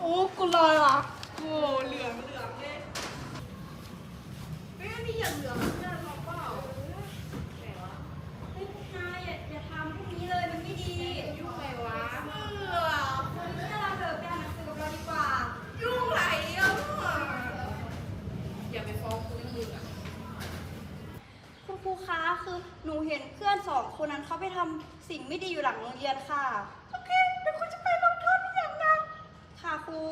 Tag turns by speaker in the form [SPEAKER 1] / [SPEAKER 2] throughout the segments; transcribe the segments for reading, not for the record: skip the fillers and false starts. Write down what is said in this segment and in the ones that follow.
[SPEAKER 1] อ้กูลอยว่ะโอ้เหลืองเลยเฮ้ยนี่อย่าเหลืองเนี่ยเราเปล่าไหนวะเฮ้ยนายอย่าทำพวกนี้เลยมันไม่ดียุ่งไงวะถ้าเราเถอะไปอ่านหนังสือกับเราดีกว่ายุ่งไรอ่ะอย่าไปฟ้องครูมืออ่ะคุณครูคะคือหนูเห็นเพื่อน2 คนนั้นเขาไปทำสิ่งไม่ดีอยู่หลังโรงเรียนค่ะโอเคเดี๋ยวครูจะไปลงโทษทุกอย่างนะค่ะครู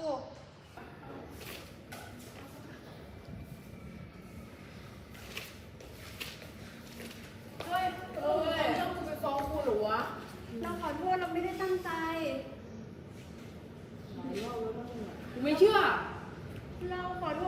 [SPEAKER 2] เฮ้ยต้องกูไปฟ้องครูหรอวะ
[SPEAKER 1] เราขอโทษเราไม่ได้ตั้งใจ
[SPEAKER 2] กูไม่เชื่อ
[SPEAKER 1] เราขอโทษ